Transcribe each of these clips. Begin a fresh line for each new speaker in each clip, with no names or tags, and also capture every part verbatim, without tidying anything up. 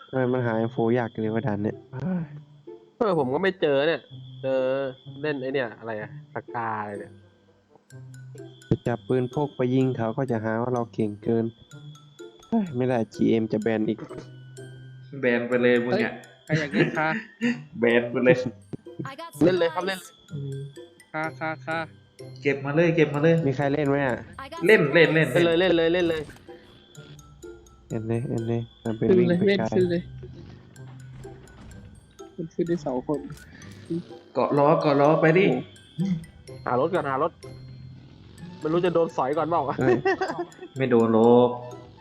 ทำไมมันหาอินโฟยากเลยว่าดันเนี่ย
เออผมก็ไม่เจอเนี่ยเจอเล่นไอเนี่ยอะไรอะสกาอะไรเนี่ย
จะจับปืนพกไปยิงเขาก็จะหาว่าเราเก่งเกินเฮ้ยไม่ได้ จี เอ็ม จะแบนอีก
แบนไปเลยมึงอ่ะ
ใครอยากเล่นคา
แบนไปเลย
เล่นเลยครับเล่น
คาคาคา
เก็บมาเลยเก็บมาเลย
มีใครเล่นไหมอ่ะ
เล่นเล่นเล่น
เล่นเลยเล่นเลยเล่นเลย
เล่นเลยเล่นเลยมันเป็น
ขึ้น
วิ่ง
เลย
ไป
เล่น
ไกล
ขึ้นเลยมันขึ้นได้สองคน
เกาะล้อเกาะล้อไปดิ
หารถก่อนหารถไม่รู้จะโดนสอยก่อนเปล่า
เฮ้ย
ไม่โดนโลก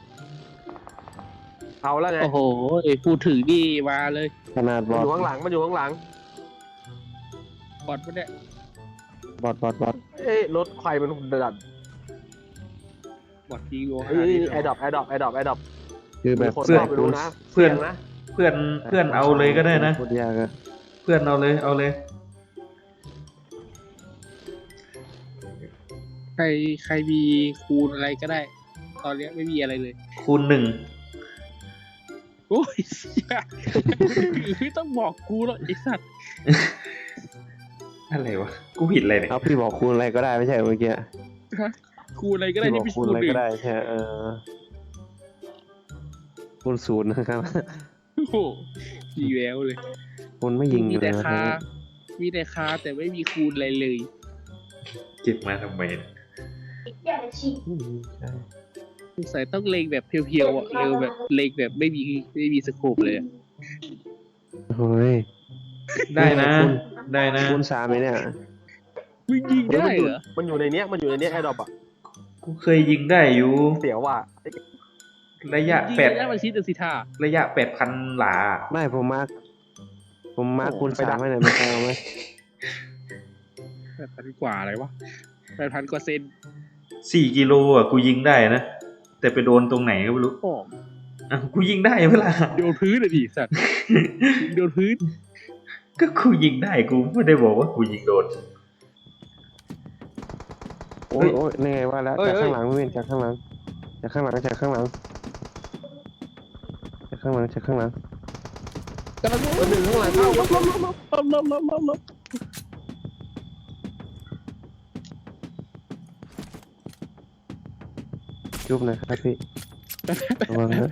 เอาแล้วไง
โอ้โหพูดถึงนี่มาเลย
ขนาดบ
มัน
อ
อ
ด
ยู่ข้างหลังมันอยู่ข้างหลัง
บอดมันเนี่ย
บอดบอดบอด
เอ้ยรถใครมันดัด
บอดทีโอ
เอ้ยแอร์ดรอปแอร์ดรอปแอร์ดรอปแอร์ดรอป
คือแบบ
คน
เพื่อน
เข้าไปดูนะ
เพื่อน
สี่ยงนะ
เพื่อนเพื่อนเอาเลยก็ได้นะ
พูดยากอะ
เพื่อนเอาเลยเอาเลย
ใครใครมีคูณอะไรก็ได้ ตอนนี้ไม่มีอะไรเลย
คูณหนึ่ง
โอ้ยเชี่ยไม่ต้องบอกกูหรอกไอ้สัตว์
อะไรวะกูผิดอะไรเนี่ย
เอาพี่บอกคูณอะไรก็ได้ไม่ใช่เมื่อกี้
คูณอะไรก็ได้
พี่บ
ที่
อก
ไม่ใช่
คูณ
คูณ
อะไร
หนึ่ง
ก็ได้ใช่เออคูณศูนย์นะครับ
โอ้โหมีแววเลย
คูณไม่ยิง
มี
เล
แต่
ยนะ
คา มีแต่คาแต่ไม่มีคูณอะไรเลย
เก็บมาทำไมเนี่ย
อืมใช่
สงสัยต้องเลงแบบเพียวๆอ่ะเออแบบเลงแบบไม่มีไม่มีสโคปเลยอะ
เฮ้ย
ได้นะได้นะ
คูณสามไหมเนี่ย
มึงยิงได้เหรอ
มันอยู่ในเนี้ยมันอยู่ในเนี้ยแอร์ดรอปอะ
กูเคยยิงได้อยู่
เสียวว่ะ
ระยะ
ยิง
แปด
ได้มันชิดเดสิท่า
ระยะแปดพันหลา
ไม่ผมมาร์คผมมาร์คคูณสามให้หน่อยไม่ใช่เอาไหม
แปดพันกว่าอะไรวะแปดพันกว่าเซน
สี่กิโลอ่ะกูยิงได้นะแต่ไปโดนตรงไหนก็ไม่รู้
อ๋อ
อ่ะกูยิงได้เวลา
โดนพื้นเลยดิสัตว์ยิงโดนพื้น
ก็กูยิงได้กูไม่ได้บอกว่ากูยิงโดน
โอ้ยโอ้ยนี่ไงว่าแล้วจากข้างหลังไม่เป็นจากข้างหลังจากข้างหลังจากข้างหลังจากข้างหลังจากข้างหลัง
กำลัง
มันหนึ่งข้างหลังเข้า
ลบลบลบลบลบลบลบลบ
จุ๊บหนะครับพี่ระวังนะ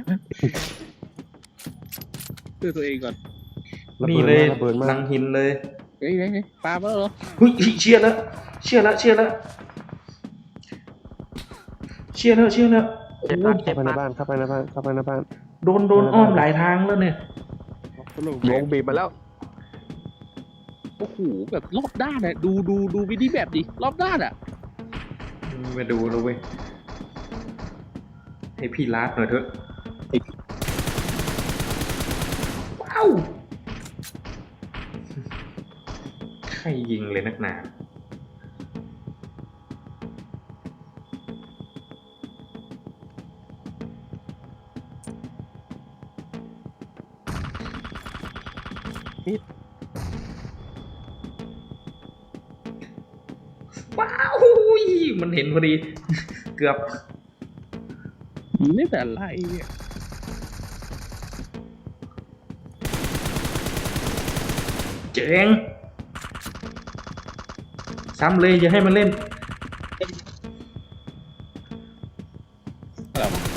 เพื่อตัวเองก่อน
ระ
นี่
เบิด
เลย
มาระเบิดมา
ลังหินเลย
เฮ้ยเฮ้ยเฮ้ยปลามาแล้วเหรอ
เฮ้ยเชื่อแล้วเชื่อแล้วเชื่อแล้วเชื่อแล้วเชื่อแล้ว
เจ็บหนัก
เข้า
เจ็บ
ไป
ห
ใน
นัก
บ้านเข้าไปในบ้านเข้าไปในบ้าน
โดนโดนอ้อมหลายทางแล้วเนี่ย
ลง
ลงบีบมาแล้ว
โอ้โหแบบรอบด้านอะดูดูดูวิดีแบบดิรอบด้านอะ
มาดูแล้วเว้ยให้พี่ลาดหน่อยเถอะว้าวใครยิงเลยนักหนาว้าวมันเห็นพอดี เกือบ
นี่แต่อะไรเนี่ย
เจ๋งซ้ำเลยอย่าให้มันเล่น
อะไรวะ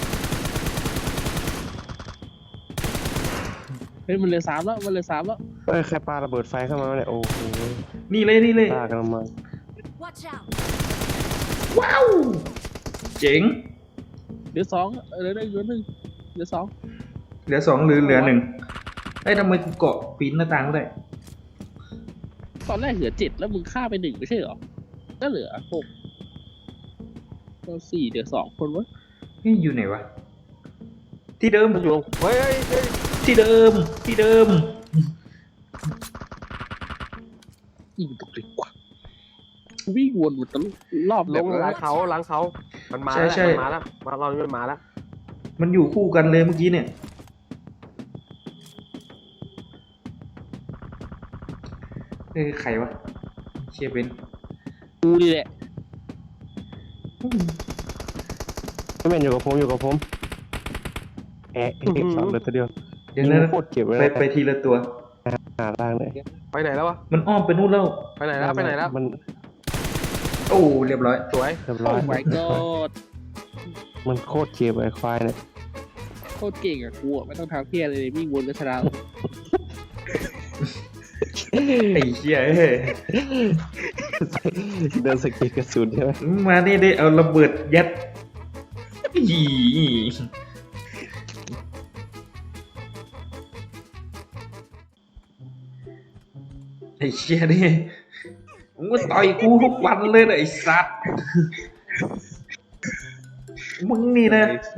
เฮ้ยมันเหลือสามแล้วมันเหลือสามแล้ว
เอ้ยใครปาระเบิดไฟเข้ามาเนี่ยโอ้โห
นี่เลยนี่เลย
ปากันมา
Watch out!
ว้าว เจ๋ง
เหลือสองเหลือหนึ่งเหลือหนึ่งเหลือสอง
เหลือสองหรือเหลือหนึ่งไอ้ยทำไมกูเกาะปีนหน้าต่างได้
ตอนแรกเหลือเจ็ดแล้วมึงฆ่าไปหนึ่งไม่ใช่เหรอก็เหลือหกก็สี่เหลือสองคนวะ
เฮ้ยอยู่ไหนวะ ที่เดิม
มันอยู่เฮ้ยเฮ้ยเฮ้ย
ที่เดิม ที่เดิม
ยิงตกดีกว่าวิ่งวนอยู่ตลอดรอบ
ล
แบบ
งหลังเขาหลังเขามันมา
ใช่
แล้ว
ใช่
มันมาแล้วมาเรานี่มันมาแล้ว
มันอยู่คู่กันเลยเมื่อกี้เนี่ย เอ้ยใครวะเชียร์เบน
กูนี่แหละ
ไม่เป็นอยู่กับผมอยู่กับผมแอะเอกสองเดือนตัวเดียว
เดี๋ยว
ยิ
นะ
งโคตรเจ็บเลย
ไป
นะ
ไปทีละตัว
หาล่างเลย
ไปไหนแล้ววะ
มันอ้อมไปนู่นแล้ว
ไปไหนแล้วไปไหนแล้ว
มัน
โอ้เรียบร้อย
สวย
เรียบ
โอ้
ร้อย
my god
มันโคตรเจ็บไอ้ควายเนี่ย
โคตรเก่งอ่ะกูอะไม่ต้องทำเพี้ยอะไรเลยวิ่งวนก็ชนะ
ไอ้เหี้ยเอ้ย
เดินสกิลกระสุนใช่ไหม
มานี่ได้เอาระเบิดยัดอีไอ้เชี่ยนี่มึงมาต่อยกูทุกวันเลยนะไอ้สัตว์มึงนี่นะ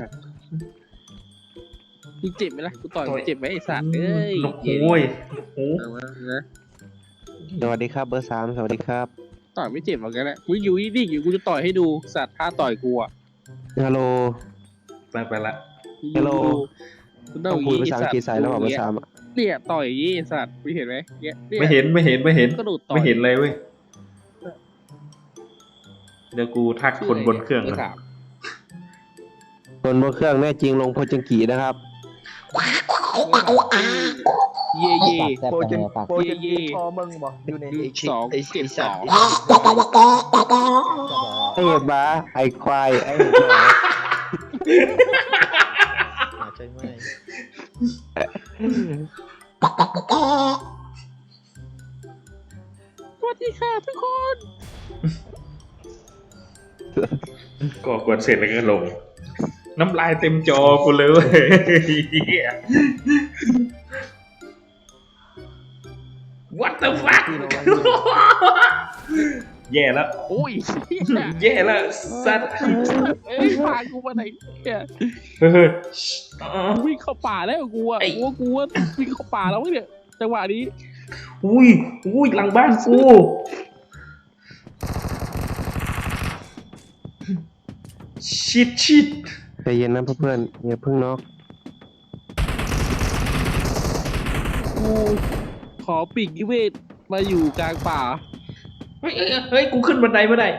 มึงเจ็บไหมล่ะกูต่อย
ต่อย
มึงเจ็บไหมไอ้สัตว์เอ้ย
โอ้โหยโอ้โห
เอามานะ
สวัสดีครับเบอร์สามสวัสดีครับ
ต่อยไม่เจ็บหรอกกันแหละมึงอยู่นิ่งๆอยู่กูจะต่อยให้ดูสัตว์ท่าต่อยกูอ่ะ
ฮัลโหล
ไปไปละ
ฮัลโหล
กูต้
ต้
อ
อง ง
อ
คุย
ย่าง
ภา
งี้
ษาอังกฤษใส่แล้วบอกเบอร์สามอะ
เนี่ยต่อยอย่างงี้ไอ้สัตว์มึงเห็นไหมเนี่ยเนี่ย
ไม่เห็นไม่เห็นไม่เห็น
กระโดดต่อย
ไม่เห็นเลยเว้ยเดี๋ยวกูทักคนบนเครื่อง
ชื่ะ
นะ
ไถาม
คนบนเครื่องแน่จริงลงโพจังกีนะครับ
เย่เย่
โปรเจนโปรเจน
เย่
พอมึงบอกอยู่ใน
สองเก็บสอง
ไอ้เห็บบ้าไอ้ควายไอ้เห็บหมา
ใช่ไหม
สวัสดีค่ะทุกคน
ก็กดเสร็จแล้วก็ลง น้ำลายเต็มจอกูเลยเว้ยเหี้ย What the fuck แย่แล้ว
โอ้ยเหี้ย
แย่แล้วสัตว์
เอ้ยพากูมาไหนเนี่ย
เฮ้ยอ๋อ
กูวิ่งเข้าป่าแล้วกูอ่ะ
ไอ้
กูว่ากูว่าวิ่งเข้าป่าแล้วเนี่ยจังหวะนี้
อุ้ยอุ้ยหลังบ้านกูชิดชิด
ใจเย็นนะเพื่อนๆอย่าเพิ่งน็อก
กูขอปีกนิเวศมาอยู่กลางป่า
เฮ้ยเฮ้ยเฮ้ยกูขึ้นบันไดไม่ได้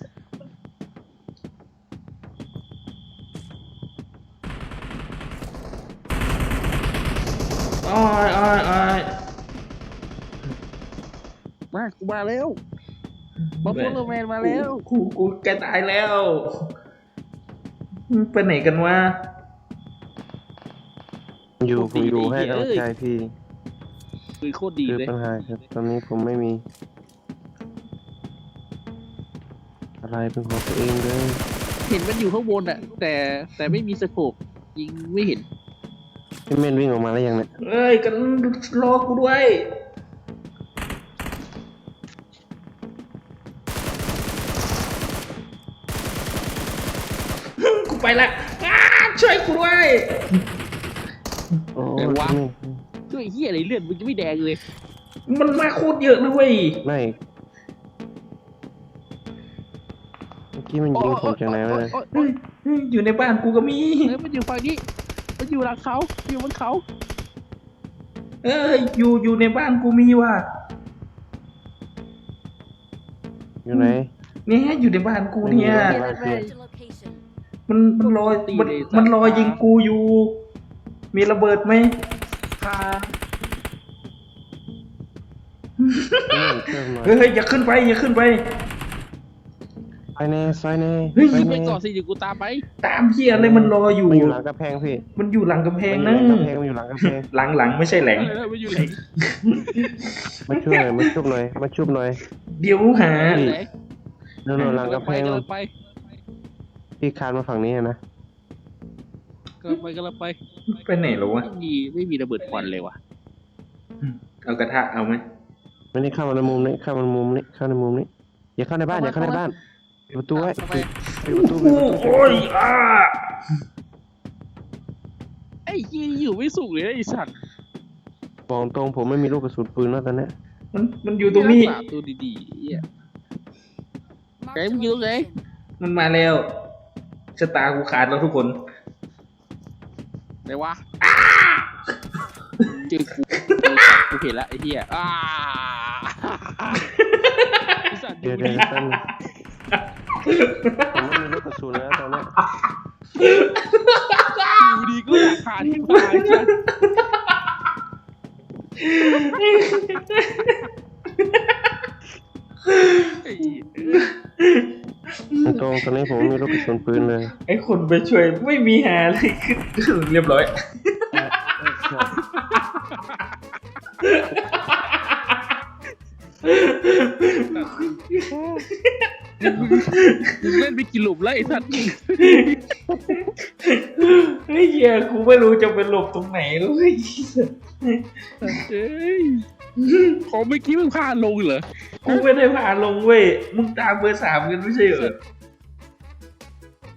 อ้อยอ้อยอ้อย
มากูมาแล้วมาพูดโรแมนมาแล้ว
กูกูแกตายแล้วไปไหนกันวะ
อยู่ผมอยู่ให้กำลังใจพี่
คือโคตรดี
คือ
เลย
ปัญหาครับตอนนี้ผมไม่มี อะไรเป็นของตัวเองเลย
เห็นมันอยู่ข้างบนอ่ะ แต่แต่ไม่มีสโคปยิงไม่เห็น
พี่เม่นวิ่งออกมาแล้วยังเนี่ย
เอ้ยกันรอกูด้วยกูไปละอ้าช่วยกูด้วย
โอ้
แต่
ย
ว่า
ไม่
ช่วยเฮียอะไรเลือดมันจะไม่แดงเลย
มันมาโคตรเยอะนะเว้ย
ไม่เมื่อกี้มันยิงผมจากไหนวะเนี่ย
โอ๊ย
เฮ้ยเฮ้ยอยู่ในบ้านกูก็มี
เฮ้ยมันอยู่ฝั่งนี้ มันอยู่หลังเขาอยู่บนเขา
เอ้ยอยู่อยู่ในบ้านกูมีว่ะ
อยู่ไหน
เนี่ยอยู่ในบ้านกูเนี่ย
ไม่มีบ้านพี่
มันมันรอมันมันรอยิงกูอยู่ มีระเบิดไหม
พา
เม่นเครื่องหน่อย
เฮ้ยเฮ้ยอย่าขึ้นไปอย่าขึ้นไป
ไฟแน่ไฟแน่
เฮ้ย
ไฟ
ยิงไป
แน่
ก่อนสิเดี๋ยวกูตามไป
ตามเฮียอะไรมันรออยู่
มันอยู่หลังกระแพงพี่
มันอยู่หลังกำแพง
มัน
นะ
อยู่หลังกระแพงมันอยู่หลังกระแพง
หลังหลังไม่ใช่แหลง
เออมันอยู่ไหน
มาช่วยหน่อยมาชุบหน่อยมาชุบหน่อย
เดี๋ยวหา
พี่
ไหน
โน่นๆหลังกระแพง
กำลังไป
พี่คานมาฝั่งนี้นะ
กำลังไปกำลังไป
ไปไหนหรอวะ
ไม่มีไม่มีระเบิดควันเลยว่ะ
เอากระทะเอาไหม
ไม่ได้เข้ามาในมุมนี้เข้ามาในมุมนี้เข้าในมุมนี้อย่าเข้าในบ้านอย่าเข้าในบ้านปิดประตูไว้
ทำไม
ปิดประตูปิด
โอ้
ประตู
โอ้ยอ่า
ไอ้ยี่อยู่ไม่สุกเลยนะไอ้สัตว์
บอกตรงผมไม่มีลูกกระสุนปืนแล้วตอนเนี้ย
มันมันอยู่ตรงนี้
รักษาตัวดีๆเหี้ยไอ้มึงอยู่ตรงไหน
มันมาแล้วชะตากูขาดแล้วทุกคน
ไหนวะเจอกูเจอกูเห็นละไอ้เหี้ยอ้าไอ้สัตว์อ
เดี๋ย
ยู่
ว
ดี
เดี๋ยวแป๊บนึงผมไม่มีลูกกระสุนแล้วตอนเนี้ย
อยู่ดีก็อยากขาที่ตายจ้ะไอ้เหี้ย
ตรงตอนนี้ผมไม่มีลูกกระสุนปืนเลย
ไอ้คนไปช่วยไม่มีหาอะไรขึ้นเรียบร้อย
มึงเล่นไปกี่หลุมแล้วไอ้สัตว์
เฮ้ยเหี้ยกูไม่รู้จะไปหลบตรงไหนเลย
เอ้ยพอเมื่อกี้มึงพาลงเหรอ
กูไม่ได้พาลงเว้ยมึงตามเบอร์สามกันไม่ใช่เหรอ